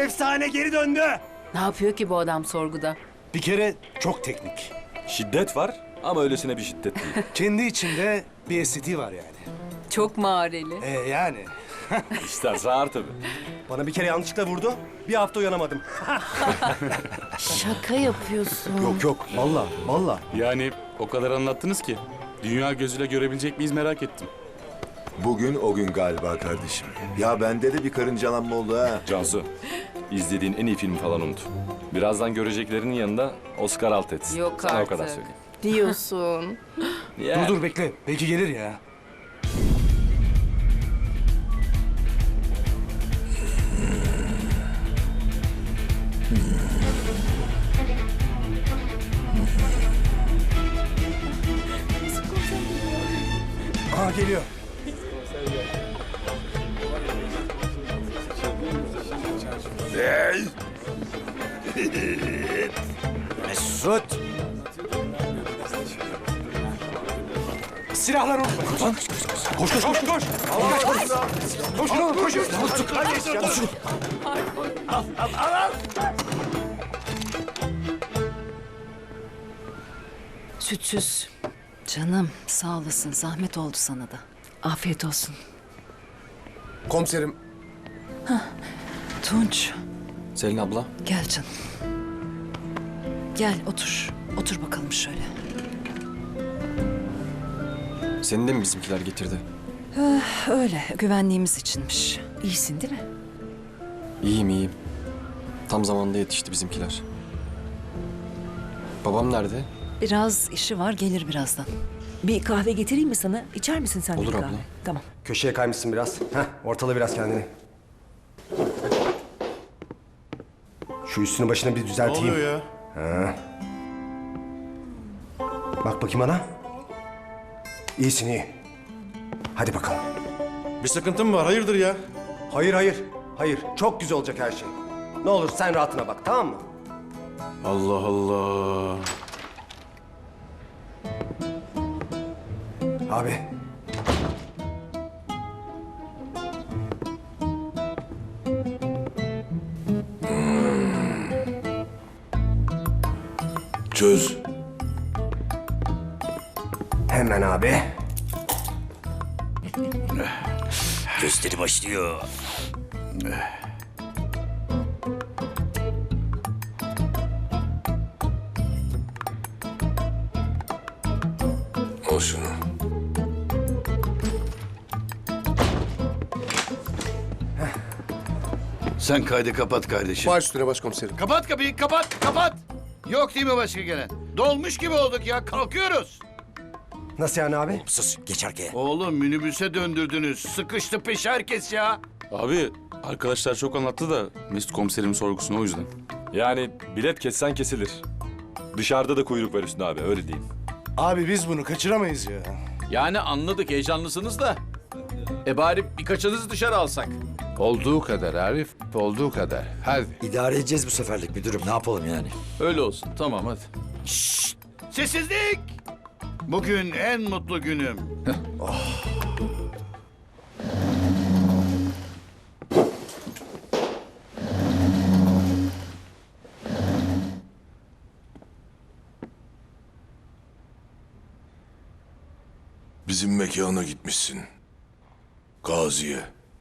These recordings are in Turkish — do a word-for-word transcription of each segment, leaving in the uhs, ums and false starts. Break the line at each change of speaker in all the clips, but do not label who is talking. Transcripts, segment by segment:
efsane geri döndü.
Ne yapıyor ki bu adam sorguda?
Bir kere çok teknik.
Şiddet var ama öylesine bir şiddet değil.
Kendi içinde bir estetiği var yani.
Çok mağareli.
Ee yani.
İsterse ağır tabii.
Bana bir kere yanlışlıkla vurdu. Bir hafta uyanamadım.
Şaka yapıyorsun.
Yok yok. Vallahi vallahi.
Yani o kadar anlattınız ki. Dünya gözüyle görebilecek miyiz merak ettim.
Bugün o gün galiba kardeşim. Ya bende de bir karıncalanma oldu ha.
Cansu, izlediğin en iyi filmi falan unut. Birazdan göreceklerinin yanında Oscar alt etsin.
Yok
Sana
artık.
o kadar söyleyeyim.
Diyorsun.
Ya.
Dur dur bekle. Belki gelir ya. Aa geliyor. Mesut. Silahlar unutma. Koş koş koş koş. koş. Allah koş. Koş oğlum koş. Koş.
Sütsüz. Canım sağ olasın. Zahmet oldu sana da. Afiyet olsun.
Komiserim.
Tunç
Selin abla.
gel canım. Gel otur. Otur bakalım şöyle.
Seni de mi bizimkiler getirdi?
Öyle güvenliğimiz içinmiş. İyisin değil mi?
İyiyim iyiyim. Tam zamanında yetişti bizimkiler. Babam nerede?
Biraz işi var gelir birazdan.
Bir kahve getireyim mi sana? İçer misin sen de
Olur
bir kahve?
abla.
Tamam.
Köşeye kaymışsın biraz. Heh, ortala biraz kendini. Şu üstünü başına bir düzelteyim. Ne oluyor ya? Ha. Bak bakayım bana. İyisin iyi. Hadi bakalım.
Bir sıkıntın mı var? Hayırdır ya?
Hayır hayır. Hayır. Çok güzel olacak her şey. Ne olur sen rahatına bak tamam mı?
Allah Allah.
Abi.
Çöz.
Hemen abi.
Gösteri başlıyor.
Al şunu.
Sen kaydı kapat kardeşim.
Baş üstüne başkomiserim.
Kapat kapıyı, kapat, kapat. Yok değil mi başka gelen? Dolmuş gibi olduk ya, kalkıyoruz.
Nasıl yani abi?
Sus, geç arkaya. Oğlum minibüse döndürdünüz. Sıkıştı peş herkes ya.
Abi arkadaşlar çok anlattı da Mesut komiserim sorgusunu o yüzden.
Yani bilet kessen kesilir. Dışarıda da kuyruk var üstünde abi, öyle diyeyim.
Abi biz bunu kaçıramayız ya.
Yani anladık heyecanlısınız da. E bari birkaçınızı dışarı alsak.
Olduğu kadar Arif, olduğu kadar. Hadi.
İdare edeceğiz bu seferlik müdürüm, ne yapalım yani?
Öyle olsun tamam hadi.
Sessizlik! Bugün en mutlu günüm.
Bizim mekana gitmişsin. Gazi'ye.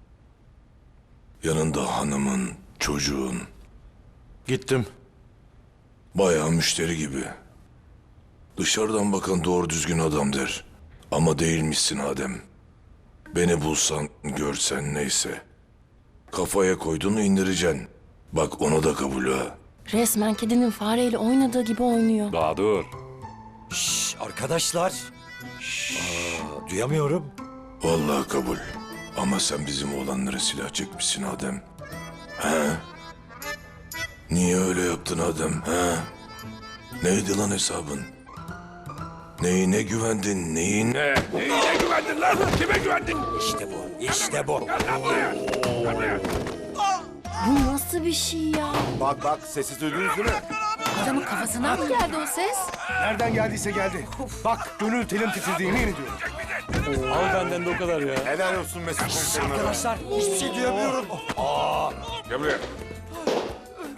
Yanında hanımın, çocuğun.
Gittim.
Bayağı müşteri gibi. Dışarıdan bakan doğru düzgün adam der. Ama değilmişsin Adem. Beni bulsan, görsen neyse. Kafaya koyduğunu indireceksin. Bak ona da kabul ha.
Resmen kedinin fareyle oynadığı gibi oynuyor.
Daha dur.
Şşş arkadaşlar. Aa, duyamıyorum.
Vallahi kabul. Ama sen bizim oğlanlara silah çekmişsin Adem. He? Niye öyle yaptın Adem? He? Neydi lan hesabın? Neyine güvendin? Neyine? Neyine güvendin lan? Kime güvendin?
İşte bu, işte bu.
Bu nasıl bir şey ya?
Bak bak sesi duydunuz değil mi?
Adamın kafasından mı geldi o ses?
Nereden geldiyse geldi. Bak gönül telim titredi yemin ediyorum.
Al benden de o kadar ya.
Helal olsun Mesut komiserim.
Arkadaşlar hiçbir şey duyamıyorum.
Gel buraya.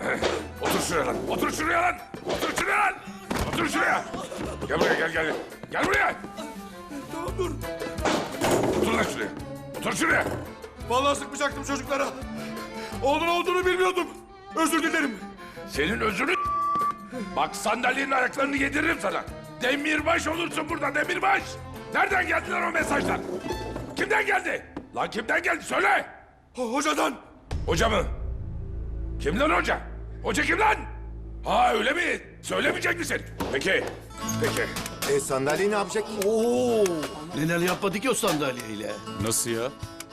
Otur şuraya lan. Otur şuraya lan. Otur şuraya lan. Otur şuraya. Gel buraya gel gel. Gel buraya. Tamam dur. Otur lan şuraya. Otur şuraya.
Vallahi sıkmayacaktım çocuklara. Oğlun olduğunu bilmiyordum. Özür dilerim.
Senin özünü... Bak sandalyenin ayaklarını yediririm sana. Demirbaş olursun burada demirbaş. Nereden geldiler o mesajlar? Kimden geldi? Lan kimden geldi söyle.
Hocadan.
Hoca mı? Kim lan hoca? Hoca kim lan? Ha öyle mi? Söylemeyecek misin? Peki. Peki.
E sandalyeyi ne yapacak?
Oo, neler yapmadı ki o sandalyeyle?
Nasıl ya?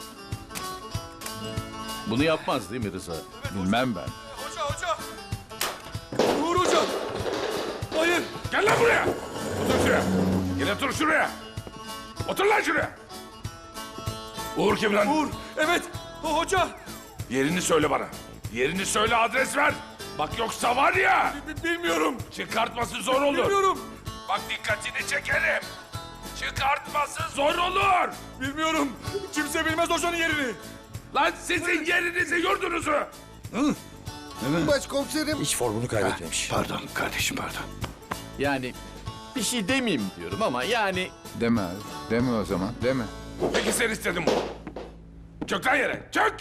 Bunu yapmaz değil mi Rıza?
Bilmem ben.
Hoca hoca. Uğur hoca. Hayır.
Gel lan buraya. Otur şuraya. Gel otur şuraya. Otur lan şuraya. Uğur kim lan?
Uğur. Evet. O hoca.
Yerini söyle bana. Yerini söyle, adres ver. Bak yoksa var ya.
B- bilmiyorum.
Çıkartması zor olur.
Bilmiyorum.
Bak dikkatini çekerim. Çıkartması zor olur.
Bilmiyorum. Kimse bilmez hocanın yerini.
Lan sizin yerinizi, yurdunuzu.
Başkomiserim.
Hiç formunu kaybetmemiş. Pardon kardeşim pardon.
Yani bir şey demeyeyim diyorum ama yani...
Deme abi. Deme o zaman. Deme.
Peki sen istedin bunu. Çök lan yere, çök.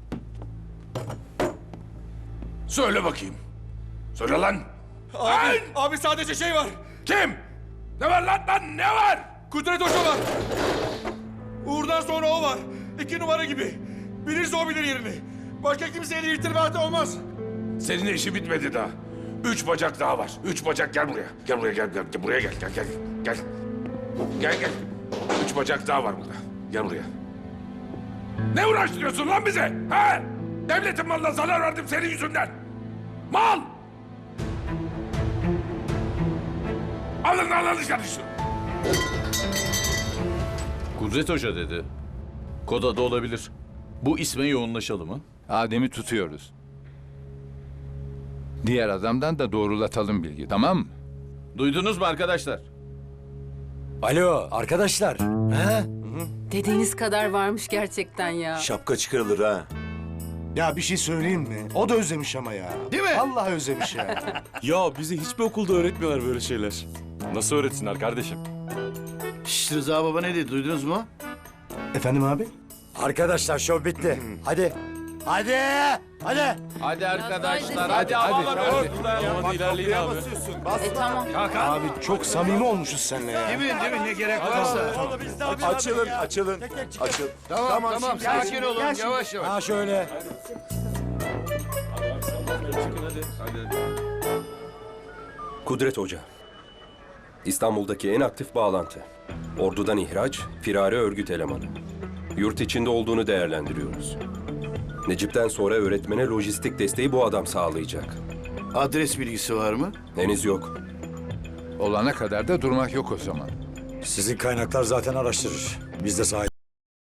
Söyle bakayım. Söyle lan.
Abi,
Lan!
abi sadece şey var.
Kim? Ne var lan lan, ne var?
Kudret Hoca var. Uğur'dan sonra o var. İki numara gibi. Bilirse o bilir yerini. Başka kimseyle irtibatı olmaz.
Senin işi bitmedi daha. Üç bacak daha var. Üç bacak, gel buraya. Gel buraya, gel, gel, gel buraya gel, gel, gel. Gel. Gel, gel. Üç bacak daha var burada. Gel buraya. Ne uğraştırıyorsun lan bize? Ha? Devletin malına zarar verdim senin yüzünden. Mal! Alın alın dışarı şunu.
Kudret Hoca dedi. Kod adı olabilir. Bu isme yoğunlaşalım mı?
Adem'i tutuyoruz. Diğer adamdan da doğrulatalım bilgi, tamam mı?
Duydunuz mu arkadaşlar?
Alo arkadaşlar. He?
Dediğiniz kadar varmış gerçekten ya.
Şapka çıkarılır ha.
Ya bir şey söyleyeyim mi? O da özlemiş ama ya.
Değil mi?
Allah özlemiş ya.
Ya bize hiçbir okulda öğretmiyorlar böyle şeyler.
Nasıl öğretsinler kardeşim?
Şşş Rıza baba ne dedi duydunuz mu?
Efendim abi?
Arkadaşlar şov bitti. Hadi. Hadi. Hadi.
Hadi arkadaşlar,
hadi,
hadi havalar
hadi.
hadi.
İlerleyin abi.
E tamam.
Abi çok samimi olmuşuz seninle ya.
Değil mi? Değil mi? Ne gerek varsa.
Açılın, açılın. Açıl.
Tamam tamam, sakin olun yavaş yavaş.
Ha şöyle.
Kudret Hoca. İstanbul'daki en aktif bağlantı. Ordudan ihraç, firari örgüt elemanı. Yurt içinde olduğunu değerlendiriyoruz. Necip'ten sonra öğretmene lojistik desteği bu adam sağlayacak.
Adres bilgisi var mı?
Henüz yok.
Olana kadar da durmak yok o zaman.
Sizin kaynaklar zaten araştırır. Biz de sahip.